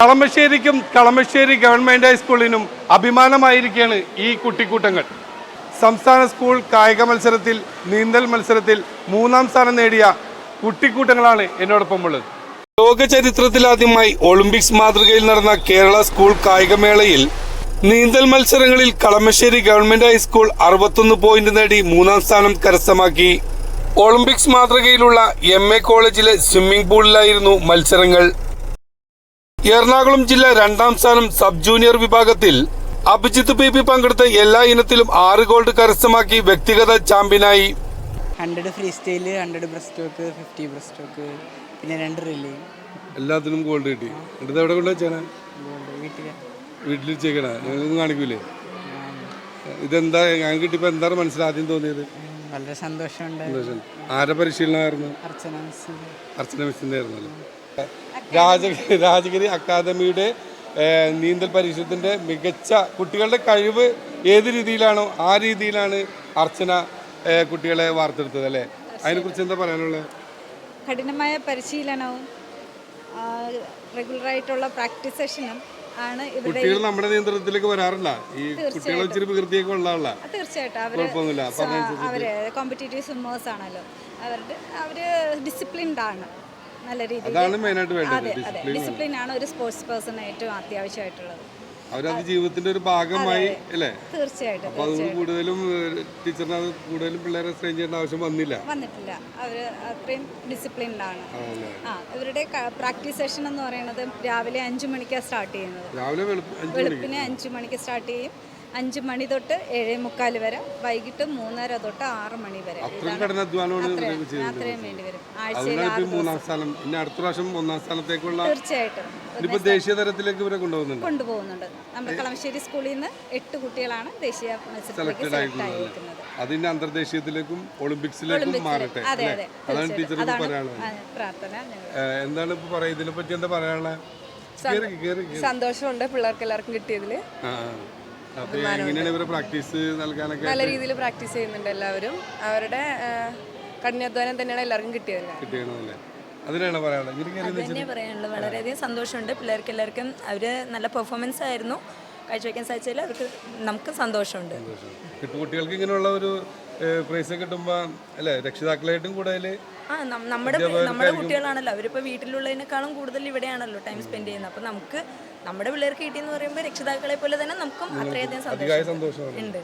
കളമശ്ശേരിക്കും Kalamassery government ഹൈസ്കൂളിനും അഭിമാനമായിരിക്കുകയാണ് ഈ കുട്ടിക്കൂട്ടങ്ങൾ. സംസ്ഥാന school കായിക മത്സരത്തിൽ നീന്തൽ മത്സരത്തിൽ 3ാം സ്ഥാനം നേടിയ കുട്ടിക്കൂട്ടങ്ങളാണ് എന്നോടൊപ്പം ഉള്ളത്. ലോക ചരിത്രത്തിലാദ്യമായി ഒളിമ്പിക്സ് മാതൃകയിൽ നടന്ന കേരള സ്കൂൾ കായികമേളയിൽ നീന്തൽ മത്സരങ്ങളിൽ കളമശ്ശേരി ഗവൺമെന്റ് ഹൈസ്കൂൾ 61 പോയിന്റ് നേടി 3ാം സ്ഥാനം കരസ്ഥമാക്കി. ഒളിമ്പിക്സ് മാതൃകയിലുള്ള MA കോളേജിലെ സ്വിമ്മിംഗ് പൂളിലായിരുന്നു മത്സരങ്ങൾ. എറണാകുളം ജില്ല 2ാം സ്ഥാനം സബ് ജൂനിയർ വിഭാഗത്തിൽ അഭിജിത്ത് PP പങ്കെടുത്ത എല്ലാ ഇനത്തിലും 6 ഗോൾഡ് കരസ്ഥമാക്കി വ്യക്തിഗത ചാമ്പ്യനായി. 100 free style, 100 breast stroke, 50 breast stroke, പിന്നെ 2 റിലേ, എല്ലാത്തിനും ഗോൾഡ് കിട്ടി. എന്നിട്ട് എവിടെ കൊണ്ടുവച്ചാണ്? വീട്ടിൽ വെച്ചേക്കണ. ഞങ്ങളൊന്നും കാണിക്കൂലേ? ഇതെന്താ ഞാൻ കിട്ടിയപ്പോൾ എന്താണ് മനസ്സിലാദ്യം തോന്നിയത്? വളരെ സന്തോഷമുണ്ട്. ആരെ പരിശീലനമായിരുന്നു? അർച്ചന മിസ്സിൻ്റെ ആയിരുന്നല്ലോ. രാജഗിരി അക്കാദമിയുടെ നീന്തൽ പരിശീലനത്തിൻ്റെ മികച്ച കുട്ടികളുടെ കഴിവ് ഏത് രീതിയിലാണോ ആ രീതിയിലാണ് അർച്ചന കുട്ടികളെ വാർത്തെടുത്തത് അല്ലേ? അതിനെക്കുറിച്ച് എന്താ പറയാനുള്ളത്? കഠിനമായ പരിശീലനവും റെഗുലറായിട്ടുള്ള പ്രാക്ടീസ് സെഷനും ആണ് ഇവിടെ. കുട്ടികൾ നമ്മുടെ നിയന്ത്രണത്തിലേക്ക് വരാറില്ല. ഈ കുട്ടികളെ ഇച്ചിരി വികൃതിയൊക്കെ ഉള്ളതല്ല. തീർച്ചയായിട്ടും അവര് കോമ്പറ്റീറ്റീവ് സ്വിമ്മേഴ്സ് ആണല്ലോ. അവര് ഡിസിപ്ലിൻഡ് ആണ്. നല്ല രീതിയിൽ ഡിസിപ്ലിൻ ആണ് ഒരു സ്പോർട്സ് പേഴ്സൺ ഏറ്റവും അത്യാവശ്യമായിട്ടുള്ളത്. അവരത് ജീവിതത്തിന്റെ ഒരു ഭാഗമായി അല്ലേ? തീർച്ചയായിട്ടും. അപ്പോൾ അത് കൂടുതലും ടീച്ചറിന് അത് കൂടുതലും പിള്ളേരെ സ്ട്രെയിൻ ചെയ്യേണ്ട ആവശ്യം വന്നിട്ടില്ല. അവര് അത്രയും ഡിസിപ്ലിൻഡ് ആണ്. ഇവരുടെ പ്രാക്ടീസ് സെഷൻ എന്ന് പറയുന്നത് രാവിലെ 5 മണിക്കാണ് സ്റ്റാർട്ട് ചെയ്യുന്നത്. വെളുപ്പിന് 5 മണിക്ക് സ്റ്റാർട്ട് ചെയ്യും. 5 മണി തൊട്ട് 7:45 വരെ, വൈകിട്ട് 3:30 തൊട്ട് 6 മണി വരെ. അത്രയും വേണ്ടി വരും. ആഴ്ചയിൽ 6 ദിവസം. അടുത്ത പ്രാവശ്യം 1ാം സ്ഥാനത്തേക്കുള്ള തീർച്ചയായിട്ടും ദേശീയ തലത്തിലേക്ക് ഇവരെ കൊണ്ടുപോകുന്നുണ്ട്. നമ്മുടെ കളമശ്ശേരി സ്കൂളിൽ നിന്ന് 8 കുട്ടികളാണ് ദേശീയ മത്സരത്തിലേക്ക് സെലക്ട് ആയിരിക്കുന്നത്. അതിന്റെ അന്തർദേശീയത്തിലേക്കും ഒളിമ്പിക്സിലേക്കും മാറട്ടെ. അതാണ് ടീച്ചർക്ക് പറയാനുള്ളത്. പ്രാർത്ഥന. എന്താണ് ഇപ്പൊ പറയുക? ഇതിനെ പറ്റി എന്താ പറയാനുള്ളത്? സന്തോഷമുണ്ട് പിള്ളേർക്ക് എല്ലാവർക്കും കിട്ടിയതില്. നല്ല രീതിയിൽ പ്രാക്ടീസ് ചെയ്യുന്നുണ്ട് എല്ലാവരും. അവരുടെ കഠിനാധ്വാനം തന്നെയാണ് എല്ലാവർക്കും കിട്ടിയത്. അതിനാണ് പറയാനുള്ളത്. വളരെയധികം സന്തോഷമുണ്ട്. പിള്ളേർക്ക് എല്ലാവർക്കും അവർ നല്ല പെർഫോമൻസ് ആയിരുന്നു കാഴ്ചവെക്കാൻ സാധിച്ചതിൽ അവർക്ക് നമുക്ക് സന്തോഷമുണ്ട്. കുട്ടികൾക്ക് ഇങ്ങനെയുള്ള ഒരു പ്രൈസ് കിട്ടുമ്പോൾ അല്ലേ രക്ഷിതാക്കളായിട്ടും കൂടുതൽ നമ്മുടെ കുട്ടികളാണല്ലോ. അവരിപ്പോൾ വീട്ടിലുള്ളതിനേക്കാളും കൂടുതൽ ഇവിടെയാണല്ലോ ടൈം സ്പെൻഡ് ചെയ്യുന്നത്. അപ്പോൾ നമുക്ക് നമ്മുടെ പിള്ളേർക്ക് കിട്ടിയെന്ന് പറയുമ്പോൾ രക്ഷിതാക്കളെ പോലെ തന്നെ നമുക്കും അത്രയധികം സന്തോഷം.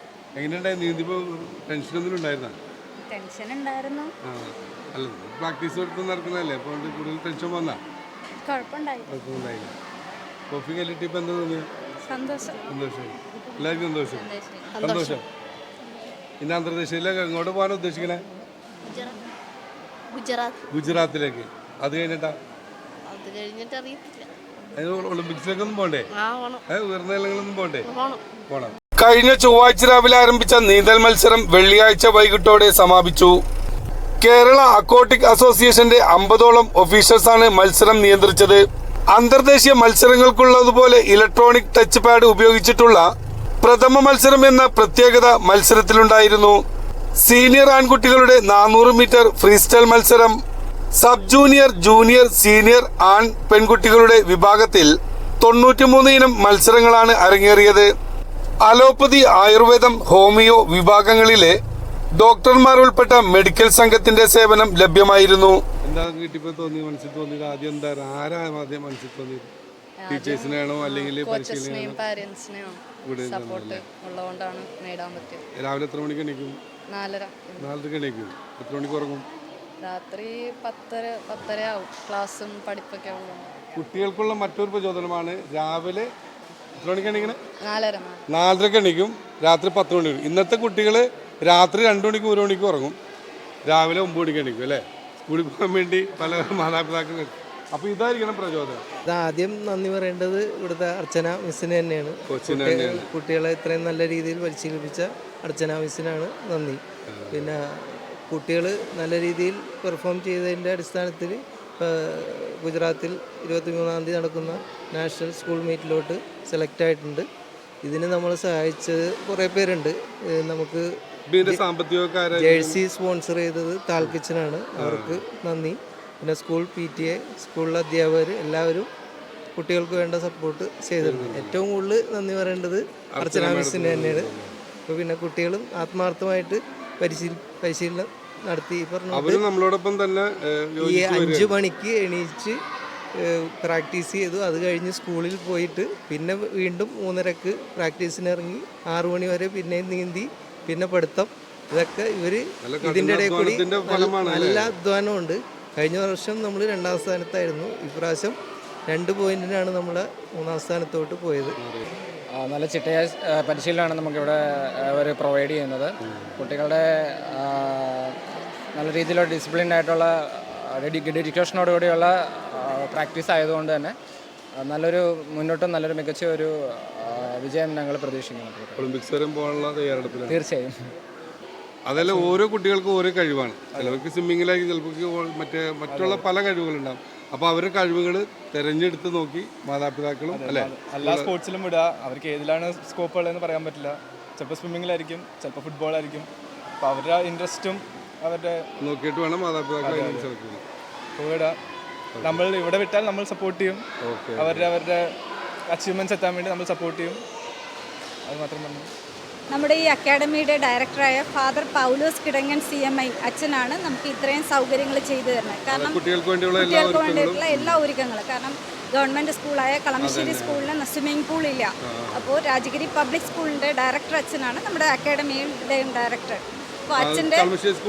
ടെൻഷൻ ഉണ്ടായിരുന്നു. പ്രാക്ടീസ് നടക്കുന്നതല്ലേ, അപ്പോൾ കൂടുതൽ ടെൻഷൻ വന്നാ കുഴപ്പമുണ്ടായില്ല. കോഫി കല്ലിട്ടിപ്പോൾ എന്താ തോന്നിയത്? സന്തോഷം. എല്ലാവർക്കും സന്തോഷം. ഇന്ന് അന്തർദേശീയത്തിലേക്ക് എങ്ങോട്ട് പോകാൻ ഉദ്ദേശിക്കണേ? ഗുജറാത്തിലേക്ക്. അത് കഴിഞ്ഞിട്ടാ? ഒളിമ്പിക്സിലേക്കൊന്നും പോണ്ടേ? ഉയർന്ന നിലകളൊന്നും പോണ്ടേ? പോണം. കഴിഞ്ഞ ചൊവ്വാഴ്ച രാവിലെ ആരംഭിച്ച നീന്തൽ മത്സരം വെള്ളിയാഴ്ച വൈകിട്ടോടെ സമാപിച്ചു. കേരള അക്വാട്ടിക് അസോസിയേഷന്റെ 50ഓളം ഒഫീഷ്യൽസാണ് മത്സരം നിയന്ത്രിച്ചത്. അന്തർദേശീയ മത്സരങ്ങൾക്കുള്ളതുപോലെ ഇലക്ട്രോണിക് ടച്ച് പാഡ് ഉപയോഗിച്ചിട്ടുള്ള പ്രഥമ മത്സരം എന്ന പ്രത്യേകത മത്സരത്തിലുണ്ടായിരുന്നു. സീനിയർ ആൺകുട്ടികളുടെ 400 മീറ്റർ ഫ്രീസ്റ്റൈൽ മത്സരം, സബ് ജൂനിയർ, ജൂനിയർ, സീനിയർ ആൺ പെൺകുട്ടികളുടെ വിഭാഗത്തിൽ 93 ഇനം മത്സരങ്ങളാണ് അരങ്ങേറിയത്. അലോപ്പതി, ആയുർവേദം, ഹോമിയോ വിഭാഗങ്ങളിലെ ഡോക്ടർമാർ ഉൾപ്പെട്ട മെഡിക്കൽ സംഘത്തിന്റെ സേവനം ലഭ്യമായിരുന്നു. ടീച്ചേഴ്സിനെയാണോ അല്ലെങ്കിൽ രാവിലെ എത്ര മണിക്ക് എണീക്കും? 4:30 എണീക്കും. എത്ര മണിക്ക് ഉറങ്ങും? രാത്രി 10:30 ആവും. ക്ലാസ്സും പഠിപ്പൊക്കെ ആവും. കുട്ടികൾക്കുള്ള മറ്റൊരു പ്രചോദനമാണ് രാവിലെ എത്ര മണിക്ക് എണീക്കണേ? 4:30 എണീക്കും. രാത്രി 10 മണി. ഇന്നത്തെ കുട്ടികൾ രാത്രി 2 മണിക്ക് 1 മണിക്ക് ഉറങ്ങും. രാവിലെ 9 മണിക്ക് എണീക്കും അല്ലേ? സ്കൂളിൽ പോകാൻ വേണ്ടി പല മാതാപിതാക്കൾ. അപ്പോൾ ഇതായിരിക്കണം പ്രചോദനം. ആദ്യം നന്ദി പറയേണ്ടത് ഇവിടുത്തെ അർച്ചന മിസ്സിന് തന്നെയാണ്. കുട്ടികളെ ഇത്രയും നല്ല രീതിയിൽ പരിശീലിപ്പിച്ച അർച്ചന മിസ്സിനാണ് നന്ദി. പിന്നെ കുട്ടികൾ നല്ല രീതിയിൽ പെർഫോം ചെയ്തതിൻ്റെ അടിസ്ഥാനത്തിൽ ഗുജറാത്തിൽ 23-ാം തീയതി നടക്കുന്ന നാഷണൽ സ്കൂൾ മീറ്റിലോട്ട് സെലക്ട് ആയിട്ടുണ്ട്. ഇതിന് നമ്മൾ സഹായിച്ചത് കുറേ പേരുണ്ട്. നമുക്ക് ജേഴ്സി സ്പോൺസർ ചെയ്തത് താൽ കിച്ചനാണ്. അവർക്ക് നന്ദി. പിന്നെ സ്കൂൾ PTA, സ്കൂളിലെ അധ്യാപകർ എല്ലാവരും കുട്ടികൾക്ക് വേണ്ട സപ്പോർട്ട് ചെയ്തിട്ടുണ്ട്. ഏറ്റവും കൂടുതൽ നന്ദി പറയേണ്ടത് അർച്ചന മിസ്സിന് തന്നെയാണ്. അപ്പോൾ പിന്നെ കുട്ടികളും ആത്മാർത്ഥമായിട്ട് പരിശീലനം നടത്തി. അവര് നമ്മളോടൊപ്പം തന്നെ ഈ 5 മണിക്ക് എണീച്ച് പ്രാക്ടീസ് ചെയ്തു. അത് കഴിഞ്ഞ് സ്കൂളിൽ പോയിട്ട് പിന്നെ വീണ്ടും 3:30 പ്രാക്ടീസിന് ഇറങ്ങി 6 മണി വരെ പിന്നെയും നീന്തി, പിന്നെ പഠിത്തം. ഇതൊക്കെ ഇവർ ഇതിൻ്റെ ഇടയിൽ കൂടി നല്ല അധ്വാനമുണ്ട്. കഴിഞ്ഞ വർഷം നമ്മൾ 2ാം സ്ഥാനത്തായിരുന്നു. ഇപ്രാവശ്യം 2 പോയിന്റിനാണ് നമ്മൾ 3ാം സ്ഥാനത്തോട്ട് പോയത്. നല്ല ചിട്ടയായ പരിശീലനമാണ് നമുക്കിവിടെ അവർ പ്രൊവൈഡ് ചെയ്യുന്നത്. കുട്ടികളുടെ നല്ല രീതിയിലുള്ള ഡിസിപ്ലിൻഡ് ആയിട്ടുള്ള ഡെഡിക്കേഷനോടുകൂടിയുള്ള പ്രാക്ടീസ് ആയതുകൊണ്ട് തന്നെ മുന്നോട്ടും നല്ലൊരു മികച്ച ഒരു വിജയം ഞങ്ങൾ പ്രതീക്ഷിക്കുന്നു. ഒളിമ്പിക്സ് വരെ പോകാനുള്ള തയ്യാറെടുപ്പിലാണ്. തീർച്ചയായും. അതല്ല, ഓരോ കുട്ടികൾക്കും ഓരോ കഴിവാണ്. ചിലർക്ക് സ്വിമ്മിങ്ങിലായിരിക്കും, ചിലർക്ക് മറ്റുള്ള പല കഴിവുകളുണ്ടാകും. അപ്പോൾ അവരുടെ കഴിവുകൾ തിരഞ്ഞെടുത്ത് നോക്കി മാതാപിതാക്കളും അല്ലേ എല്ലാ സ്പോർട്സിലും വിടുക. അവർക്ക് ഏതിലാണ് സ്കോപ്പ് ഉള്ളതെന്ന് പറയാൻ പറ്റില്ല. ചിലപ്പോൾ സ്വിമ്മിങ്ങിലായിരിക്കും, ചിലപ്പോൾ ഫുട്ബോളായിരിക്കും. അപ്പോൾ അവരുടെ ഇൻട്രസ്റ്റും അവരുടെ നോക്കിയിട്ട് വേണം മാതാപിതാക്കൾ സെലക്ട് ചെയ്യാൻ. വിടുക. നമ്മൾ ഇവിടെ വിട്ടാൽ നമ്മൾ സപ്പോർട്ട് ചെയ്യും. അവരുടെ അച്ചീവ്മെൻറ്റ്സ് എത്താൻ വേണ്ടി നമ്മൾ സപ്പോർട്ട് ചെയ്യും. അത് മാത്രം പറഞ്ഞു. നമ്മുടെ ഈ അക്കാഡമിയുടെ ഡയറക്ടറായ ഫാദർ പൗലോസ് കിടങ്ങൻ CMI അച്ഛനാണ് നമുക്ക് ഇത്രയും സൗകര്യങ്ങൾ ചെയ്തു തരുന്നത്. കാരണം കുട്ടികൾക്ക് വേണ്ടിയിട്ടുള്ള എല്ലാ ഒരുക്കങ്ങളും. കാരണം ഗവൺമെൻറ് സ്കൂളായ കളമശ്ശേരി സ്കൂളിന് സ്വിമ്മിംഗ് പൂൾ ഇല്ല. അപ്പോൾ രാജഗിരി പബ്ലിക് സ്കൂളിൻ്റെ ഡയറക്ടർ അച്ഛനാണ് നമ്മുടെ അക്കാഡമിയുടെയും ഡയറക്ടർ. അപ്പോൾ അച്ഛൻ്റെ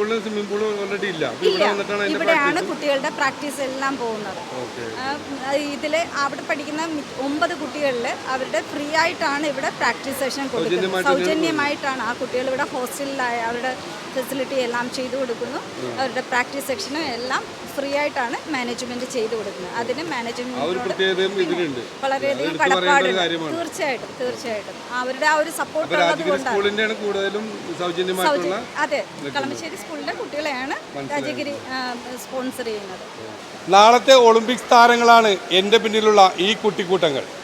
ഇവിടെയാണ് കുട്ടികളുടെ പ്രാക്ടീസ് എല്ലാം പോകുന്നത്. ഇതിൽ അവിടെ പഠിക്കുന്ന 9 കുട്ടികളിൽ അവരുടെ ഫ്രീ ആയിട്ടാണ് ഇവിടെ പ്രാക്ടീസ് സെഷൻ കൊടുക്കുന്നത്. സൗജന്യമായിട്ടാണ് ആ കുട്ടികൾ ഇവിടെ ഹോസ്റ്റലിലായ അവരുടെ ഫെസിലിറ്റി എല്ലാം ചെയ്തു കൊടുക്കുന്നു. അവരുടെ പ്രാക്ടീസ് സെക്ഷനും എല്ലാം ഫ്രീ ആയിട്ടാണ് മാനേജ്മെന്റ് ചെയ്തു കൊടുക്കുന്നത്. അതിന് മാനേജ്മെന്റിനോട് വളരെയധികം കടപ്പാടുണ്ട്. തീർച്ചയായിട്ടും അവരുടെ ആ ഒരു സപ്പോർട്ട് ഉള്ളതുകൊണ്ടാണ്. അതെ, കളമശ്ശേരി സ്കൂളിലെ കുട്ടികളെയാണ് രാജഗിരി സ്പോൺസർ ചെയ്യുന്നത്. നാളത്തെ ഒളിമ്പിക്സ് താരങ്ങളാണ് എൻ്റെ പിന്നിലുള്ള ഈ കുട്ടിക്കൂട്ടങ്ങൾ.